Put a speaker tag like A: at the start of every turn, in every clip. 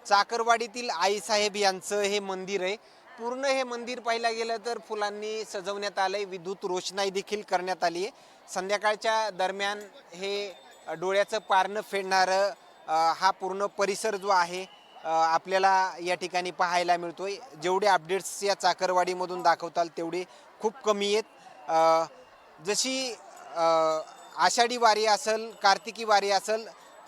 A: चाकरवाडीतील आईसाहेब यांचं हे मंदिर आहे। पूर्ण हे मंदिर पाहायला गेलं तर फुलांनी सजवण्यात आलंय, विद्युत रोषणाई देखील करण्यात आली आहे। संध्याकाळच्या दरम्यान हे डोळ्याचं पारणं फेडणारं हा पूर्ण परिसर जो आहे आपल्याला या ठिकाणी पाहायला मिळतोय। जेवढे अपडेट्स या चाकरवाडीमधून दाखवताल तेवढे खूप कमी आहेत। जशी आषाढी वारी असेल, कार्तिकी वारी असेल,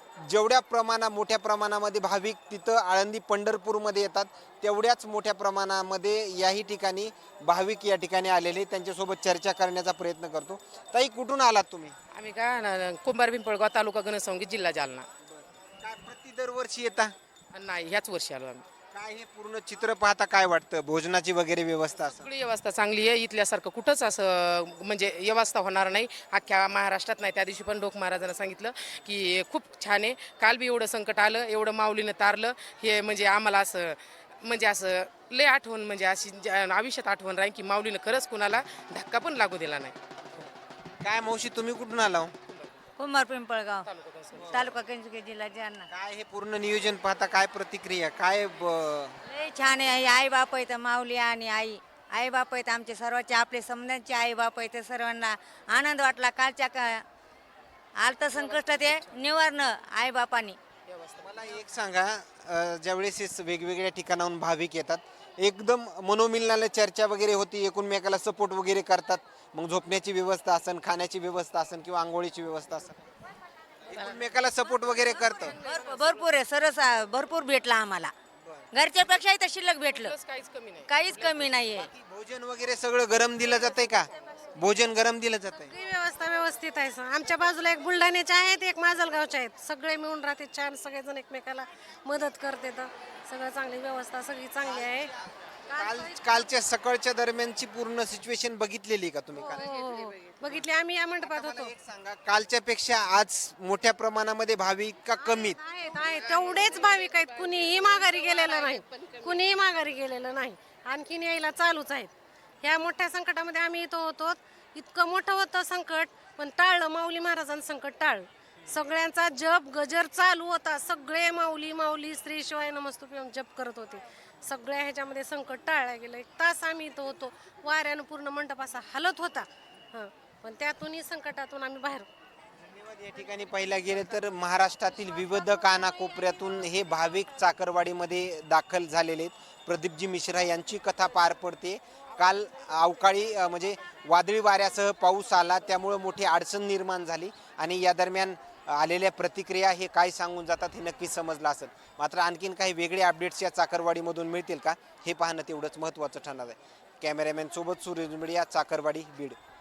A: जेवढ्या मोठ्या प्रमाणामध्ये भाविक तिथं आळंदी पंढरपूरमध्ये येतात तेवढ्याच मोठ्या प्रमाणामध्ये याही ठिकाणी भाविक या ठिकाणी आलेले, त्यांच्यासोबत चर्चा करण्याचा प्रयत्न करतो। ताई, कुठून आलात तुम्ही?
B: आम्ही का कुंभार पिंपळगाव तालुका घनसावंगी जिल्हा जालना।
A: काय प्रति दरवर्षी येता?
B: नाही, ह्याच वर्षी आलो आम्ही।
A: काय हे पूर्ण चित्र पाहता काय वाटतं? भोजनाची वगैरे व्यवस्था असेल?
B: सगळी व्यवस्था चांगली आहे, इथल्यासारखं कुठंच असं म्हणजे व्यवस्था होणार नाही, अख्ख्या महाराष्ट्रात नाही। त्या दिवशी पण डोक महाराजांना सांगितलं की खूप छान आहे, काल बी एवढं संकट आलं, एवढं माऊलीनं तारलं, हे म्हणजे आम्हाला असं म्हणजे असं लय आठवण, म्हणजे अशी आयुष्यात आठवण राहील की माऊलीनं खरंच कुणाला धक्का पण लागू दिला नाही।
A: काय मावशी, तुम्ही कुठून आला?
C: कुंभार पिंपळगाव तालुका कंजके जिल्हा जालना।
A: काय हे पूर्ण नियोजन पाहता काय प्रतिक्रिया काय
C: लय छान आहे, आई बाप आहेत, माऊली आणि आई बाप आहेत आमचे सर्वांचे, आपले समजांचे आई बाप आहेत। सर्वांना आनंद वाटला, कालच्या आलतं संकट ते निवारणं आई बापानी।
A: मला एक सांगा, ज्यावेळेस हे वेगवेगळ्या ठिकाणाहून भाविक येतात, एकदम मनोमिलनाला चर्चा वगैरे होती, एकमेकाला सपोर्ट वगैरे करतात, मग झोपण्याची व्यवस्था असेल, खाण्याची व्यवस्था असेल किंवा आंघोळीची व्यवस्था असेल, एकमेकाला सपोर्ट वगैरे करतं?
C: भरपूर आहे, सरस भरपूर भेटला आम्हाला, घरच्यापेक्षाही तर शिल्लक भेटलं,
B: काहीच कमी नाही।
C: काहीच कमी नाहीये।
A: भोजन वगैरे सगळं गरम दिलं जातंय का? भोजन गरम दिलं जातंय?
D: सगळी व्यवस्था व्यवस्थित आहे। आमच्या बाजूला एक बुलढाण्याचे आहेत, एक माजलगावचे आहेत, सगळे मिळून राहते छान, सगळेजण एकमेकाला मदत करते, तर सगळं चांगली व्यवस्था सगळी चांगली आहे।
A: कालच्या सकाळच्या दरम्यानची पूर्ण सिच्युएशन बघितलेली का तुम्ही काल?
D: हो, बघितले आम्ही, या मंडपात होतो।
A: एक सांगा, कालच्या पेक्षा आज मोठ्या प्रमाणामध्ये भाविक का कमीत?
D: आहेत तेवढेच भाविक आहेत, कुणीही माघारी गेलेलं नाही, कुणीही माघारी गेलेलं नाही, आणखीन यायला चालूच आहेत। ह्या मोठ्या संकटामध्ये आम्ही इथं होतो, इतकं मोठं होतं संकट, पण टाळलं, माऊली महाराजांचं संकट टाळलं। सगळ्यांचा जप गजर चालू होता, सगळे माऊली माऊली श्री शिवाय नमस्तुभ्यम जप करत होते, सगळ्या ह्याच्यामध्ये संकट टाळलं गेलं। 1 तास आम्ही इथं होतो, वाऱ्यानं पूर्ण मंडप असा हलत होता, पण त्यातूनही संकटातून आम्ही बाहेर।
A: या ठिकाणी पाहिला गेलं तर महाराष्ट्रातील विविध कानाकोपऱ्यातून हे भाविक चाकरवाडीमध्ये दाखल झालेले आहेत। प्रदीपजी मिश्रा यांची कथा पार पडते। काल अवकाळी म्हणजे वादळी वाऱ्यासह पाऊस आला, त्यामुळे मोठी अडचण निर्माण झाली आणि या दरम्यान आलेल्या प्रतिक्रिया हे काय सांगून जातात हे नक्कीच समजलं असेल। मात्र आणखीन काही वेगळे अपडेट्स या चाकरवाडीमधून मिळतील का हे पाहणं तेवढंच महत्त्वाचं ठरणार आहे। कॅमेरामॅन सोबत सूर्य मीडिया, चाकरवाडी, बीड।